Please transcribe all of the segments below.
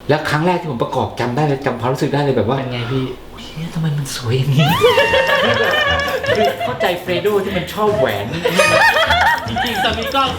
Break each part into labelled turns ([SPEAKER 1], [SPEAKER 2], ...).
[SPEAKER 1] แล้วครั้งแรกที่ผมประกอบจำได้เลยจำความรู้สึกได้เลยแบบว่า
[SPEAKER 2] เป็นไงพี่
[SPEAKER 1] เฮ้ยทำไมมันสวยอย่างนี้ คือเข้าใจเฟรโดที่มันชอบแหวน
[SPEAKER 2] จริงๆตอนนี้กล้อง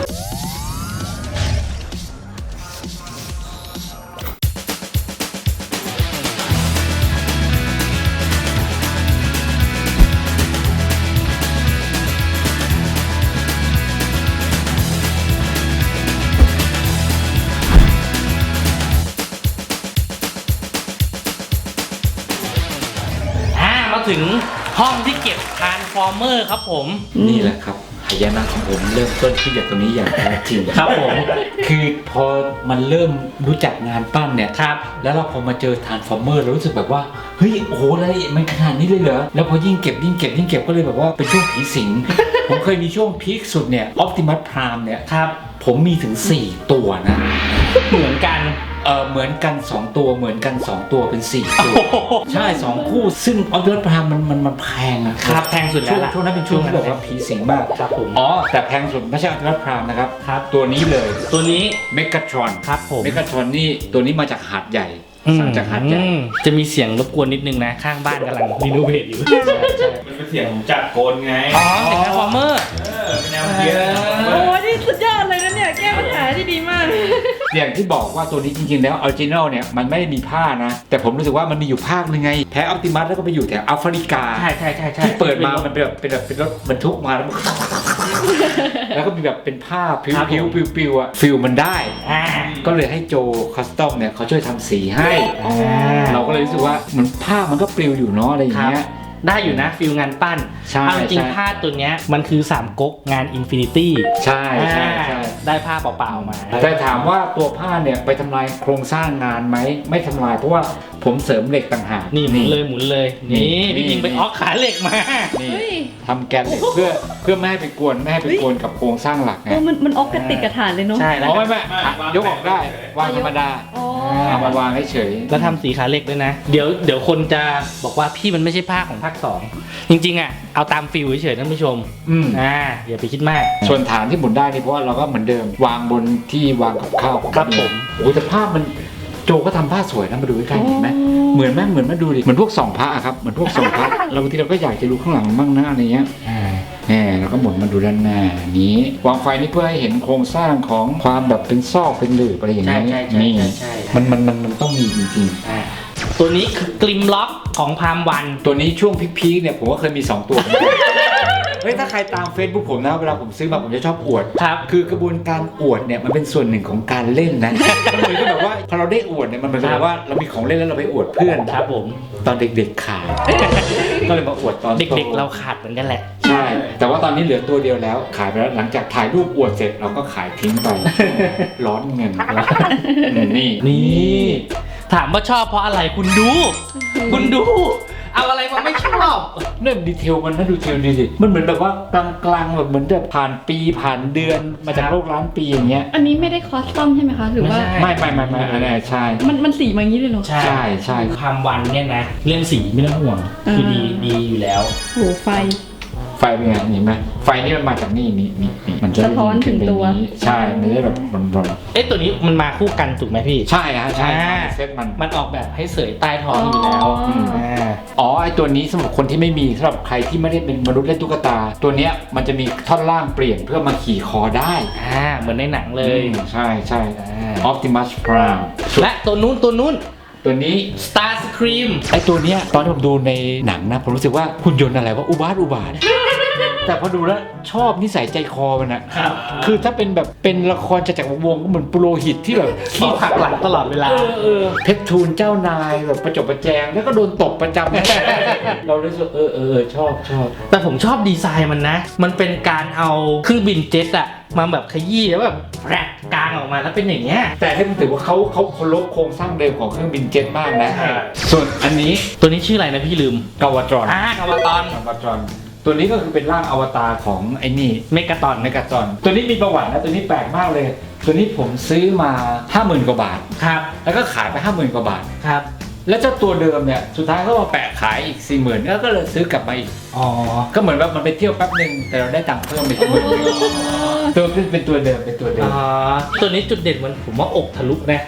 [SPEAKER 2] มาถึงห้องที่เก็บทรานส์ฟอร์เมอร์ครับผม
[SPEAKER 1] นี่แหละครับหายนะของผมเริ่มต้นที่จากตรงนี้อย่างแท้จริง
[SPEAKER 2] ครับผม
[SPEAKER 1] คือพอมันเริ่มรู้จักงานปั้นเนี่ย
[SPEAKER 2] ครับ
[SPEAKER 1] แล้วเราพอมาเจอทรานส์ฟอร์เมอร์เรารู้สึกแบบว่าเฮ้ยโอ้โหรายละเอียดมันขนาดนี้เลยเหรอแล้วพอยิ่งเก็บก็เลยแบบว่าเป็นช่วงผีสิง ผมเคยมีช่วงพีคสุดเนี่ยออปติมัสพรามเนี่ย
[SPEAKER 2] ครับ
[SPEAKER 1] ผมมีถึง4ตัวนะ
[SPEAKER 2] เหมือนกัน
[SPEAKER 1] เหมือนกัน2ตัวเหมือนกัน2ตัวเป็น4ตัวใช่2คู่ซึ่งออปติมัสพรามมันแพงนะครับ
[SPEAKER 2] แพงสุดแล้วล่ะ
[SPEAKER 1] ช่วงนั้นเป็นช่วงที่แบบว่าผีสิงมาก
[SPEAKER 2] ครับผม
[SPEAKER 1] อ๋อแต่แพงสุดไม่ใช่ออปติมัสพรามนะครับ
[SPEAKER 2] ครับ
[SPEAKER 1] ตัวนี้เลย
[SPEAKER 2] ตัวนี้
[SPEAKER 1] เมกาทรอน
[SPEAKER 2] ครับผม
[SPEAKER 1] เมกาทรอนนี่ตัวนี้มาจากหาดใหญ่สั่งจากหาดใหญ่
[SPEAKER 2] จะมีเสียงรบกวนนิดนึงนะ ข้างบ้านกำลังรีโนเวทอยู่
[SPEAKER 3] มันเป็นเสียงจากโกนไง
[SPEAKER 2] อ๋อเสียงทรานส์ฟอร์เมอร์
[SPEAKER 3] เป็นแนวเพี้ยน
[SPEAKER 4] โอ้นี่สุดยอดเลยนะเนี่ยแก้ปัญหาได้ดีมาก
[SPEAKER 1] อย่างที่บอกว่าตัวนี้จริงๆแล้วออริจินัลเนี่ยมันไม่ได้มีผ้านะ แต่ผมรู้สึกว่ามันมีอยู่ภาคนึงไงแพ้ออปติมัสแล้วก็ไปอยู่แถวแอฟริกา
[SPEAKER 2] ใช่
[SPEAKER 1] ที่เปิดมามันเป็นรถบรรทุกมาแล้ว แล้วก็มีแบบเป็นผ้าพิ้วพิ้วปิวปิวอะฟิลมันได้
[SPEAKER 2] อ่า
[SPEAKER 1] ก็เลยให้โจคัสตอมเนี่ยเขาช่วยทำสีให้
[SPEAKER 2] อ่า
[SPEAKER 1] เราก็เลยรู้สึกว่าเหมือนผ้ามันก็ปลิวอยู่เนาะอะไรอย่างเงี้ย
[SPEAKER 2] ได้อยู่นะฟิลงานปั้น
[SPEAKER 1] ใช่
[SPEAKER 2] เอาจริง
[SPEAKER 1] ใช่
[SPEAKER 2] ๆผ้าตัวเนี้ยมันคือ3ก๊กงานอินฟินิตี้
[SPEAKER 1] ใช่ใช่ใช่
[SPEAKER 2] ได้ผ้าเปล่าๆมา
[SPEAKER 1] แต่ถามว่าตัวผ้าเนี่ยไปทำลายโครงสร้างงานไหมไม่ทำลายเพราะว่าผมเสริมเหล็กต่างหาก
[SPEAKER 2] นี่หมุนเลย
[SPEAKER 1] นี่
[SPEAKER 2] นี่พี่ยิงไปออกขาเหล็กมา
[SPEAKER 1] นี่
[SPEAKER 4] เฮ้ย
[SPEAKER 1] ทำแกนเหล็กเพื่อไม่ให้ไปกวนกับโครงสร้างหลักไง
[SPEAKER 4] โอ้มันออกกระติดกระฐานเลยเนาะ
[SPEAKER 2] ใช่แล้ว
[SPEAKER 1] อ๋อไม่ยกออกได้วางธรรมดา
[SPEAKER 4] อ๋อ
[SPEAKER 1] เอามาวางเฉย
[SPEAKER 2] แล้วทำสีขาเหล็กด้วยนะ เดี๋ยวคนจะบอกว่าพี่มันไม่ใช่ผ้าของภาค 2 จริงๆอ่ะเอาตามฟิลเฉยๆท่านผู้ชม
[SPEAKER 1] อืม
[SPEAKER 2] อย่าไปคิดมาก
[SPEAKER 1] ส่วนฐานที่หมุนได้นี่เพราะว่าเราก็เหมือนเดิม วางบนที่วางกับข้าว
[SPEAKER 2] ครับผม
[SPEAKER 1] โอ้แต่ภาพมันโจก็ทำผ้าสวยนะมาดูใกล้ๆเห็นไหมเหมือนมาดูดิเหมือนพวกส่องพระอะครับเหมือนพวกส่องพระเราบางทีเราก็อยากจะดูข้างหลังบ้างนะอะไรเงี้ยแหมเราก็หมุนมาดูด้านหน้านี้วางไฟนี่เพื่อให้เห็นโครงสร้างของความแบบเป็นซอกเป็นหลืบอะไรอย่างเงี้ย
[SPEAKER 2] ใช่
[SPEAKER 1] นี่
[SPEAKER 2] ใช่
[SPEAKER 1] มันต้องมีจริง
[SPEAKER 2] ตัวนี้คือกลิมล็อกของพามวัน
[SPEAKER 1] ๆตัวนี้ช่วงพีคๆเนี่ยผมก็เคยมี2ตัว เฮ้ยถ้าใครตาม Facebook ผมนะเวลาผมซื้อมาผมจะชอบอวด
[SPEAKER 2] ครับ
[SPEAKER 1] คือกระบวนการอวดเนี่ยมันเป็นส่วนหนึ่งของการเล่นนะ มันเหมือนกับแบบว่าพอเราได้อวดเนี่ยมันเหมือนกับว่าเรามีของเล่นแล้วเราไปอวดเพื่อน
[SPEAKER 2] ครับผม
[SPEAKER 1] ตอนเด็กๆขาด ก็เลยมาอวดตอนโต
[SPEAKER 2] เด็กๆเราขาดเหมือนกันแหละ
[SPEAKER 1] ใช่ แต่ว่าตอนนี้เหลือตัวเดียวแล้วขายไปแล้วหลังจากถ่ายรูปอวดเสร็จเราก็ขายทิ้งไป ร้อนเงินนี่
[SPEAKER 2] นี่ ถามว่าชอบเพราะอะไรคุณดู เอาอะไรมาไม่ชอบ
[SPEAKER 1] เนี่ยดีเทลมันน่าดูเทลดีสิมันเหมือนแบบว่ากลางๆแบบเหมือนแบบผ่านปีผ่านเดือนมาจากโลกล้านปีอย่างเงี้ย
[SPEAKER 4] อันนี้ไม่ได้คอสตอมใช่ไหมคะ หรือว่า
[SPEAKER 1] ไม่อันนี้ใช่
[SPEAKER 4] มันสีมาอย่างนี้เลยเหรอ
[SPEAKER 1] ใช่
[SPEAKER 2] พามวันเนี่ยนะ เรื่องสีไม่ต้องห่วง คือดีอยู่แล้ว
[SPEAKER 4] โหไฟ
[SPEAKER 1] ไฟเป็นไงเห็นไหมไฟนี่มันมาจากนี่มันจะ
[SPEAKER 4] สะท้อนถึงตัว
[SPEAKER 1] ใช่มันจะแบบร้อน
[SPEAKER 2] เอ๊ะตัวนี้มันมาคู่กันถูกไหมพี่
[SPEAKER 1] ใช่ฮะใช่
[SPEAKER 2] อ่า
[SPEAKER 1] เซตมัน
[SPEAKER 2] มันออกแบบให้เสยใต้ท้องอยู่แล้ว
[SPEAKER 4] อ๋ออื
[SPEAKER 1] อ๋อไอตัวนี้สำหรับคนที่ไม่มีสำหรับใครที่ไม่ได้เป็นมนุษย์เล่นตุ๊กตา ตัวเนี้ยมันจะมีท่อนล่างเปลี่ยนเพื่อมาขี่คอได้
[SPEAKER 2] เหมือนในหนังเลย
[SPEAKER 1] ใช่
[SPEAKER 2] อ่า
[SPEAKER 1] Optimus Prime
[SPEAKER 2] และตัวนู้น
[SPEAKER 1] ตัวนี้
[SPEAKER 2] Star Scream
[SPEAKER 1] ไอตัวเนี้ยตอนที่ผมดูในหนังนะผมรู้สึกว่าหุ่นยนต์อะไรว่าอุบาท แต่พอดูแล้วชอบนิสัยใจคอมันอะ
[SPEAKER 2] ครับ
[SPEAKER 1] คือถ้าเป็นแบบเป็นละครจักรวงศ์ก็เหมือนปุโรหิตที่แบบ
[SPEAKER 2] ขี้ผักหลังตลอดเวลา
[SPEAKER 1] เพชรทูลเจ้านายแบบประจบประแจงแล้วก็โดนตบประจำ เราเลยรู้สึกชอบ
[SPEAKER 2] แต่ผมชอบดีไซน์มันนะ มันเป็นการเอาเครื่องบินเจ็ตอะมาแบบขยี้แล้วแบบแรกกลางออกมาแล้วเป็นอย่างเงี้ย
[SPEAKER 1] แต่ให้มันถือว่าเขาเคารพโครงสร้างเดิมของเครื่องบินเจ็ตมากนะ
[SPEAKER 2] ใช่
[SPEAKER 1] ส่วนอันนี้
[SPEAKER 2] ตัวนี้ชื่ออะไรนะพี่ลืม
[SPEAKER 1] กาวาตรอน
[SPEAKER 2] กาวาตอน
[SPEAKER 1] ตัวนี้ก็คือเป็นร่างอวตารของไอ้นี่
[SPEAKER 2] เมกาตอน
[SPEAKER 1] เมกาตอนตัวนี้มีประวัตินะตัวนี้แปลกมากเลย ตัวนี้ผมซื้อมา 50,000 กว่าบาท
[SPEAKER 2] ครับ
[SPEAKER 1] แล้วก็ขายไป 50,000 กว่าบาท
[SPEAKER 2] ครับ
[SPEAKER 1] แล้วเจ้าตัวเดิมเนี่ยสุดท้ายก็มาแปะขายอีก 40,000แล้วก็เลยซื้อกลับมาอีก
[SPEAKER 2] อ๋อ
[SPEAKER 1] ก็เหมือนว่ามันไปเที่ยวแป๊บหนึ่งแต่เราได้ตังค์เพิ่มไปอีก10,000ตัวเป็นตัวเดิม
[SPEAKER 2] ตัวนี้จุดเด่นมันผมว่าอกทะลุนะ
[SPEAKER 1] ใ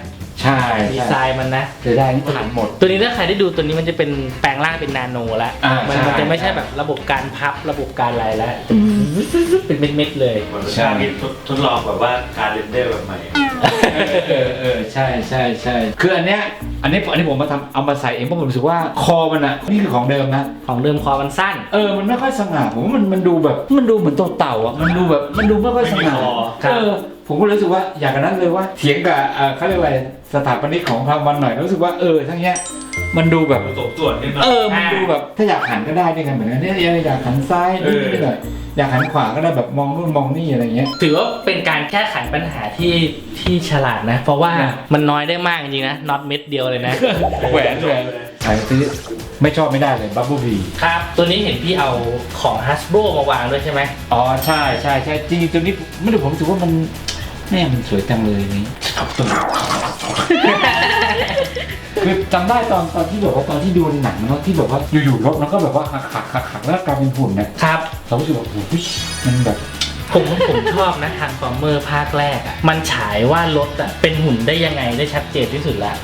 [SPEAKER 1] ใช่
[SPEAKER 2] ดีไซน์มันนะ
[SPEAKER 1] จะได้นี่ผ่านหมด
[SPEAKER 2] ตัวนี้ถ้าใครได้ดูตัวนี้มันจะเป็นแปลงร่างเป็นนาโนแล้ว
[SPEAKER 1] ใช่
[SPEAKER 2] มันจะไม่ใช่แบบระบบการพับระบบการอะไรแล้ว
[SPEAKER 4] อืม
[SPEAKER 2] เป็นเม็ดๆเลย
[SPEAKER 3] เหมือนเป็นการทดลองแบบว่าการเรนเดอร์แบบใหม่
[SPEAKER 1] ใช่คืออันนี้ผมมาทำเอามาใส่เองเพราะผมรู้สึกว่าคอมันอ่ะนี่คือของเดิมนะ
[SPEAKER 2] ของเดิมคอมันสั้น
[SPEAKER 1] มันไม่ค่อยสง่าผมว่ามันดูแบบมันดูเหมือนตัวเต่าอ่ะมันดูไม่ค่อยสง่า
[SPEAKER 3] ไม่มีคอ
[SPEAKER 2] ครับ
[SPEAKER 1] ผมก็รู้สึกว่าอย่างนั้นเลยว่าเถียงกับเขาเรียกอะไรสถาปนิกของพาวันหน่อยรู้สึกว่าทั้งเนี้ยมันดูแบบ
[SPEAKER 3] สมส่วนขึ้นมา
[SPEAKER 1] มันดูแบบถ้าอยากหันก็ได้ด้วยกันเหมือนกันเนี่ยอยากหันซ้ายนิดหน่อยอยากหันขวาก็ได้แบบมองนู่นมองนี่อะไรเงี้ย
[SPEAKER 2] ถือว่าเป็นการแก้ไขปัญหาที่ฉลาดนะ เพราะว่า
[SPEAKER 1] นะ
[SPEAKER 2] มันน้อยได้มากจริงๆนะน็อตเม็ดเดียวเลยนะ
[SPEAKER 1] แหวนใส่ซื้อไม่ชอบไม่ได้เลยบับเบิ้ลบี
[SPEAKER 2] ครับ ตัวนี้เห็นพี่เอาของ Hasbro มาวางด้วยใช่ไหม
[SPEAKER 1] อ๋อใช่จริงๆตัวนี้ไม่ได้ผมรู้สึกว่ามันแม่มันสวยจังเลยนี่คือจำได้ตอนที่แบบว่าตอนที่ดูในหนังเนาะที่แบบว่าอยู่ๆรถมันก็แบบว่าหักแล้วกลายเป็นหุ่นนะครับ เรารู้สึกว่าโอ้โหมันแบบ
[SPEAKER 2] ผมชอบนะทางฟอร์เมอร์ภาคแรกอ่ะมันฉายว่ารถอ่ะเป็นหุ่นได้ยังไงได้ชัดเจนที่สุดแล้ว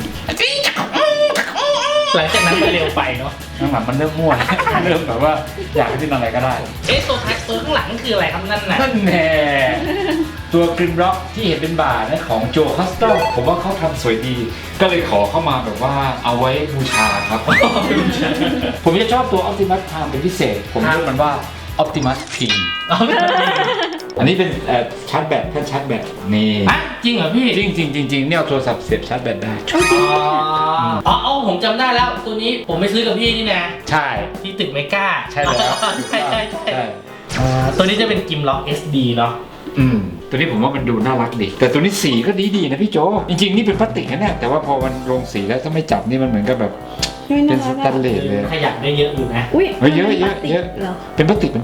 [SPEAKER 2] หลังจากนั้นมันเร็วไปเนาะ
[SPEAKER 1] หลังมันเริ่มมั่ว เริ่มแบบว่าอยากให้เป็นอะไรก็ได้
[SPEAKER 2] ตัวแท็กตัวข้างหลังคืออะไรครับนั่นน่ะ
[SPEAKER 1] นั่นแน่ตัวกริมร็อกที่เห็นเป็นบาร์นะของโจคัสตอมผมว่าเขาทำสวยดี ก็เลยขอเข้ามาแบบว่าเอาไว้บูชาครับ ผมจะชอบตัว Optimus Prime เป็นพิเศษ ผมเรียกมันว่า Optimus Pin อันนี้เป็นชาร์จแบตแท่นชาร์จแบตนี่
[SPEAKER 2] อ่ะจริงเหรอพี่
[SPEAKER 1] จริงเนี่ยเอาโทรศัพท์เสียบชาร์จแบตได้
[SPEAKER 2] อ๋อผมจำได้แล้วตัวนี้ผมไปซื้อกับพี่นี่นะ
[SPEAKER 1] ใช่
[SPEAKER 2] ที่ตึกเมกา
[SPEAKER 1] ใช่แล้ว
[SPEAKER 2] ใช่ตัวนี้จะเป็นกิมล็อก SD เนาะ
[SPEAKER 1] ตัวนี้ผมว่ามันดูน่ารักดี แต่ตัวนี้สีก็ดีนะพี่โจ จริงๆนี่เป็นพลาสติกนะเนี่ยแต่ว่าพอมันลงสีแล้วถ้าไม่จับนี่มันเหมือนกับแบบ
[SPEAKER 4] ไม่
[SPEAKER 1] เป็
[SPEAKER 4] น่าน
[SPEAKER 1] ส
[SPEAKER 4] รัก
[SPEAKER 1] แตน
[SPEAKER 4] อะ
[SPEAKER 1] เลสเลย
[SPEAKER 2] ขยับได้เยอะอยู่นะ
[SPEAKER 4] อุ้ย
[SPEAKER 1] เฮ้ยเยอะ
[SPEAKER 4] เหรอ
[SPEAKER 1] เป็นพลาสติก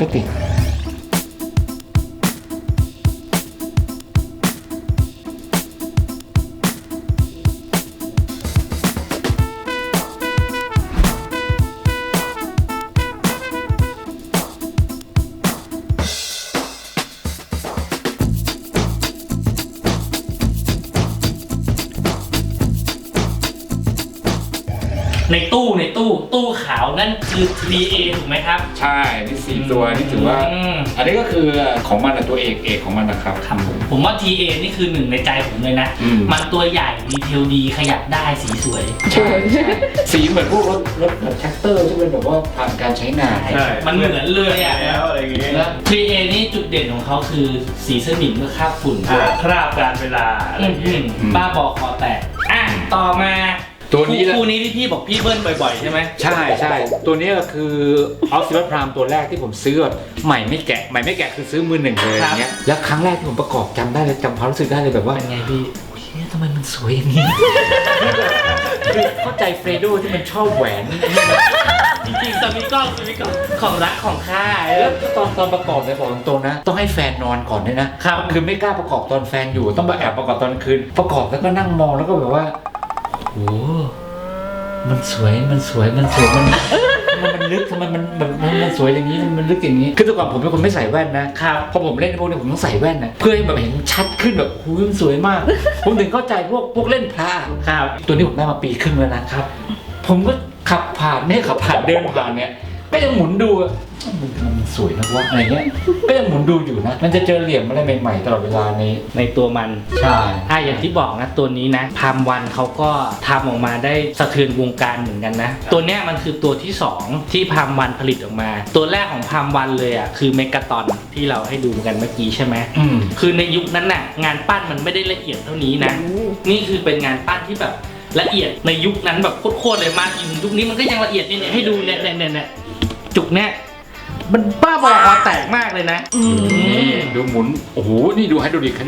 [SPEAKER 2] ในตู้ขาวนั่นคือ 3A ถูกไหมครับ
[SPEAKER 1] ใช่นี่สีตัวนี่ถือว่า อันนี้ก็คือของมันตัวเอกของมันนะครับ
[SPEAKER 2] ครับผมว่า TA นี่คือหนึ่งในใจผมเลยนะ มันตัวใหญ่ดีเทลดีขยับได้สีสวย
[SPEAKER 1] ใช่สีเหมือนพวกรถแบบแท็กเตอร์ที่เป็นแบบว่าผ่านการใช้งาน
[SPEAKER 3] ใช่
[SPEAKER 2] มันเหมือนเลยอ่ะ
[SPEAKER 3] แล้วอะไรอย่างเงี้ย
[SPEAKER 2] แล้ว 3A นี่จุดเด่นของเขาคือสีสนิมเมื่อคราบฝุ่น
[SPEAKER 3] คราบการเวลาอะไรอย่างเงี้ย
[SPEAKER 2] บ้าบอคอแตกต่อมา
[SPEAKER 1] ตัวนี้แหละ
[SPEAKER 2] คู่นี้ที่พี่บอกพี่เบิ้ลบ่อยๆใช่ไหม
[SPEAKER 1] ใช่ตัวนี้ก็คือ Optimus Prime ตัวแรกที่ผมซื้อแบบใหม่ไม่แกะคือซื้อมือหนึ่งเลยอย่างเงี้ยแล้วครั้งแรกที่ผมประกอบจำได้เลยจำความรู้สึกได้เลยแบบว่า
[SPEAKER 2] เป็นไงพี่
[SPEAKER 1] ทำไมมันสวยอย่างนี้ คือเข้าใจเฟรโดที่มันชอบแหวน
[SPEAKER 2] จริงๆสมิกล้องของรักของข้า
[SPEAKER 1] แล้วตอนประกอบเนี่ยบอกตรงๆนะ ต้องให้แฟนนอนก่อนด้วยนะครับ คือไม่กล้าประกอบตอนแฟนอยู่ต้องมาแอบประกอบตอนกลางคืนประกอบแล้วก็นั่งมองแล้วก็แบบว่าโอ้มันสวยมันลึกทำไมมันสวยอย่างนี้มันลึกอย่างนี้คือแต่ก่อนผมเป็นคนไม่ใส่แว่นนะครับพอผมเล่นพวกนี้ผมต้องใส่แว่นนะเพื่อให้แบบเห็นชัดขึ้นแบบโอ้ยมันสวยมาก ผมถึงเข้าใจพวกเล่นพระ
[SPEAKER 2] ครับ
[SPEAKER 1] ตัวนี้ผมได้มาปีครึ่งแล้วนะครับ ผมก็ขับผ่านเดินผ่านเนี่ยก็ยังหมุนดูอะมันสวยนะวะอะไรเงี้ยก็ยังหมุนดูอยู่นะมันจะเจอเหลี่ยมอะไรใหม่ๆตลอดเวลาใน
[SPEAKER 2] ตัวมัน
[SPEAKER 1] ใช่
[SPEAKER 2] อย่างที่บอกนะตัวนี้นะพามวันเขาก็ทำออกมาได้สะเทือนวงการเหมือนกันนะตัวเนี้ยมันคือตัวที่2ที่พามวันผลิตออกมา ตัวแรกของพามวันเลยอ่ะคือเมกาตอนที่เราให้ดูกันเมื่อกี้ใช่ไหมคือในยุคนั้นน่ะงานปั้นมันไม่ได้ละเอียดเท่านี้นะนี่คือเป็นงานปั้นที่แบบละเอียดในยุคนั้นแบบโคตรเลยมากยุคนี้มันก็ยังละเอียดเนี่ยให้ดูเนี่ยจุกเนี่ยมันบ้าบอคอแตกมากเลยนะ
[SPEAKER 1] นี่ดูหมุนโอ้โหนี่ดูให้ดูดิ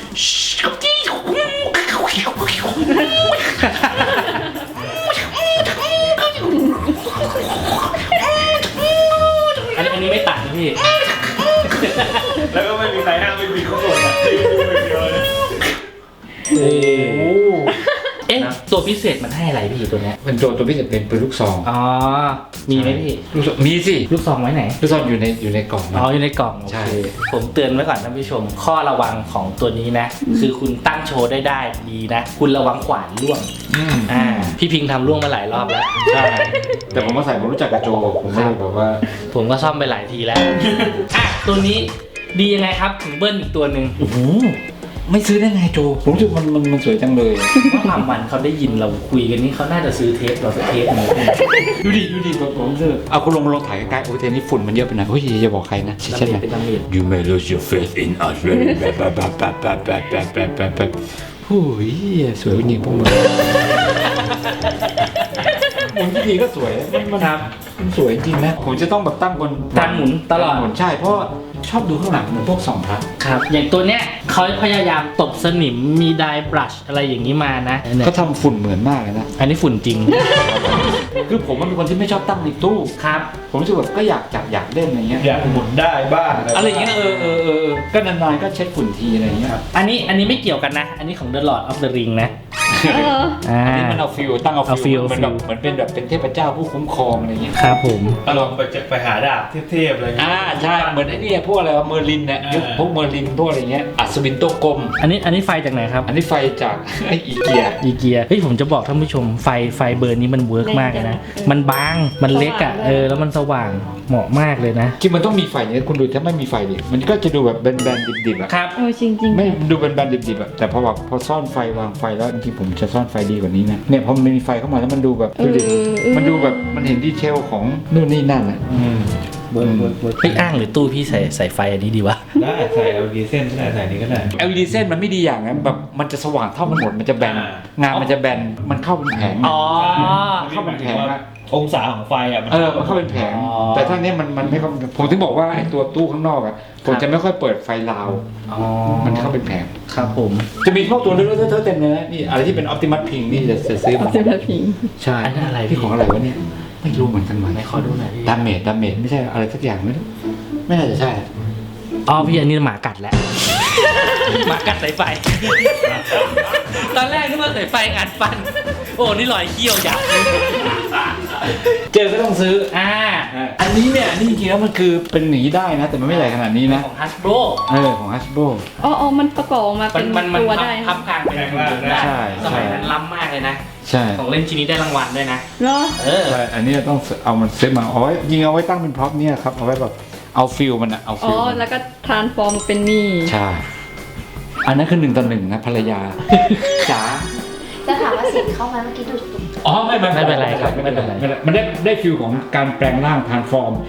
[SPEAKER 2] อันนี้ไม่ตัดนะพี่
[SPEAKER 3] แล้วก็ไม่มีใครห้ามไม่มีข้อมูลนะ
[SPEAKER 2] เอ๊ะตัวพิเศษมันให้อะไรพี่ตัวเนี้ย
[SPEAKER 1] เป็นตัวพิเศษเป็นปืนลูกซอง
[SPEAKER 2] อ๋อมีไหมพี่
[SPEAKER 1] ลูกซองมีสิ
[SPEAKER 2] ลูกซองไว้ไหน
[SPEAKER 1] ลูกซองอยู่ในกล่อง
[SPEAKER 2] อ๋ออยู่ในกล่อง
[SPEAKER 1] ใช่
[SPEAKER 2] โอเคผมเตือนไว้ก่อนท่านผู้ชม ข้อระวังของตัวนี้นะ คือคุณตั้งโชว์ได้ดีนะ คุณระวังขวานร่วงพี่พิงทำร่วงมาหลายรอบแล้ว
[SPEAKER 1] ใช่แต่ผมมาใส่ผมรู้จักกับโจผมก็เลยแบบว่า
[SPEAKER 2] ผมก็ซ่อมไปหลายทีแล้ว อ่ะตัวนี้ดียังไงครับถึงเบิ้ลอีกตัวหนึ่ง
[SPEAKER 1] โอ้โหไม่ซื้อได้ไงโจผมรู้สึกมันสวยจังเลย
[SPEAKER 2] ว่าความวันเขาได้ยินเราคุยกันนี่เขาน่าจะซื้อเทปเราสักเทปหนึง
[SPEAKER 1] ดูดิแบบผมรู้สึกเอาคุณลงถ่ายใกล้ๆโอ้ยเทนี่ฝุ่นมันเยอะไปหน่อยเฮ้ยอย่าบอกใครนะใช่ไหม
[SPEAKER 2] เป็นดาเมจ
[SPEAKER 1] You may lose your faith in us very bad โอ้ยสวยจริงพวกมึงหมุนทีก็สวยมันสวยจริงนะผมจะต้องแบบตั้งบน
[SPEAKER 2] การหมุนตลอด
[SPEAKER 1] หมุนใช่เพราะชอบดูข้างหลังเหมือนพวกสองพระ
[SPEAKER 2] ครับ อย่างตัวเนี้ยเขาพยายามตบสนิมมีไดร์บรัชอะไรอย่างนี้มานะเนี่ย
[SPEAKER 1] เขาทำฝุ่นเหมือนมากเลยนะ
[SPEAKER 2] อันนี้ฝุ่นจริง
[SPEAKER 1] คือผมเป็นคนที่ไม่ชอบตั้งในตู้
[SPEAKER 2] ครับ
[SPEAKER 1] ผมรู้สึกแบบก็อยากจับอยากเล่นอะไรเงี้ย
[SPEAKER 3] อยากหมุนได้บ้าง
[SPEAKER 1] อะไรอย่างเงี้ยก็นานๆก็เช็ดฝุ่นทีอะไรเงี้ย
[SPEAKER 2] อันนี้ไม่เกี่ยวกันนะ อันนี้ของ The Lord of the Ring นะ
[SPEAKER 4] เออ
[SPEAKER 1] อันนี้มันเอาฟิลตั้งเอา
[SPEAKER 2] เอาฟิ
[SPEAKER 1] ฟิ
[SPEAKER 2] ล
[SPEAKER 1] ลเหมือนแบบเหมือนเป็นแบบเป็นเทพเจ้าผู้คุ้มครองอะไรเงี้ย
[SPEAKER 2] ครับผม
[SPEAKER 3] ลองไปหาดาบเทพๆอะไรอย่างเงี้ย
[SPEAKER 1] ใช่เหมือนไอ้นี่พวกอะไรวะเมอร์ลินเนี่ยยุคพวกเมอร์ลินพวกอะไรเงี้ยอัศวินโตกลม
[SPEAKER 2] อันนี้ไฟจากไหนครับ
[SPEAKER 1] อันนี้ไฟจาก ไอ้อีเกีย
[SPEAKER 2] อีเกียเฮ้ยผมจะบอกท่านผู้ชมไฟเบอร์นี้มันเวิร์กมากเลยนะ มันบางมันเล็กอ่ะแล้วมันสว่างเหมาะมากเลยนะ
[SPEAKER 1] จริงมันต้องมีไฟเนี่ยคุณดูถ้าไม่มีไฟดิมันก็จะดูแบบแบนๆดิบๆอะ
[SPEAKER 2] ครับ
[SPEAKER 4] เออจริงจริง
[SPEAKER 1] ไม่ดูแบนๆดิบๆอะแต่พอแบบพอซ่อนไฟวางไฟแล้วจริงๆผมจะซ่อนไฟดีกว่านี้นะเนี่ยพอมันมีไฟเข้ามาแล้วมันดูแบบดูดิมันดูแบบมันเห็นดีเทลของนู่นนี่นั่นอะ
[SPEAKER 2] เฮ้ยอ้างหรือตู้พี่ใส่ไฟอันนี้ดีวะ
[SPEAKER 3] ได้ใส่ LED เส้นก็ได้ใส่นี้ก็ได้
[SPEAKER 1] LED เส้นมันไม่ดีอย่างนั้นแบบมันจะสว่างเท่ากันหมดมันจะแบน งานมันจะแบนมันเข้าเป็นแผง
[SPEAKER 2] อ๋อ
[SPEAKER 1] เข้าเป็นแผงอะ
[SPEAKER 3] องศาของไฟอ่ะ
[SPEAKER 1] มันเข้าเป็นแผง
[SPEAKER 2] อ๋อ
[SPEAKER 1] แต่ถ้าเนี้ยมันไม่เข้าผมถึงบอกว่าไอ้ตัวตู้ข้างนอกอะผมจะไม่ค่อยเปิดไฟลาว
[SPEAKER 2] อ๋อ
[SPEAKER 1] มันเข้าเป็นแผง
[SPEAKER 2] ครับผม
[SPEAKER 1] จะมีพวกตัวเลือกเต็มเลยนะนี่อะไรที่เป็น Optimus Pink นี่จะซื้อ
[SPEAKER 4] เอา
[SPEAKER 1] มา
[SPEAKER 4] เซราพิง
[SPEAKER 1] ใช่
[SPEAKER 2] อันนั้นอะไรพี่
[SPEAKER 1] ที่ของอะไรวะเนี่ยไม่รู้เหมือนกันว่ะ
[SPEAKER 2] ไหนขอดูหน่อยพี่
[SPEAKER 1] ดาเมจไม่ใช่อะไรสักอย่างไม่รู้ไม่น่าจะใช่
[SPEAKER 2] อ๋อพี่อันนี้หมากัดแล้ว หมากัดสายไฟ ตอนแรกนึกว่าสายไฟอัดฟัน โอ้นี่รอยเขี้ยวยักษ์
[SPEAKER 1] เจอก็ต้องซื้อ
[SPEAKER 2] อันนี้เนี่ย
[SPEAKER 1] นี่จริงๆแล้วมันคือเป็นหนีได้นะ แต่มันไม่ใหญ่ขนาดนี้นะ
[SPEAKER 2] ของ Hasbro
[SPEAKER 1] ของ Hasbro
[SPEAKER 4] อ๋อมันประกอบออกมาเป็น
[SPEAKER 2] มัน
[SPEAKER 4] ตัว
[SPEAKER 2] พั
[SPEAKER 4] ได้
[SPEAKER 2] พับกลางเป็นหุ่นยนต์ได้
[SPEAKER 1] ใช่
[SPEAKER 2] สมัยนั้นล้ำมากเลยนะ
[SPEAKER 1] ใช่
[SPEAKER 2] ของเล่นชิ้นนี้ได้รางวัลด้วยนะ
[SPEAKER 4] เนาะ
[SPEAKER 1] ใช่อันนี้ต้องเอามันเซตมาเอาไว้ยิงเอาไว้ตั้งเป็นพร็อพเนี่ยครับเอาไว้แบบเอาฟิลมันอะเอา
[SPEAKER 4] อ๋
[SPEAKER 1] ฟิ
[SPEAKER 4] อ
[SPEAKER 1] ลมัน
[SPEAKER 4] แล้วก็ทรานส์ฟอร์มเป็นนี่
[SPEAKER 1] ใช่อันนั้นคือ1 ต่อ 1นะภรรยาจ๋า
[SPEAKER 5] จะถามว่าเสียงเข้ามาเมื่อกี้ดูด
[SPEAKER 1] อ๋อไม่
[SPEAKER 2] ไม่เป็นไรครับไม่เป็นไร
[SPEAKER 1] มันได้ฟิลของการแปลงร่างทรานส์ฟอร์ม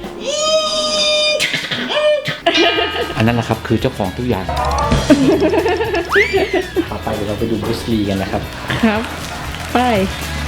[SPEAKER 1] อันนั้นแหละครับคือเจ้าของทุกอย่าง
[SPEAKER 2] ต่อไปเดี๋ยวเราไปดูบรูซลีกันนะครับ
[SPEAKER 4] ครับ ไป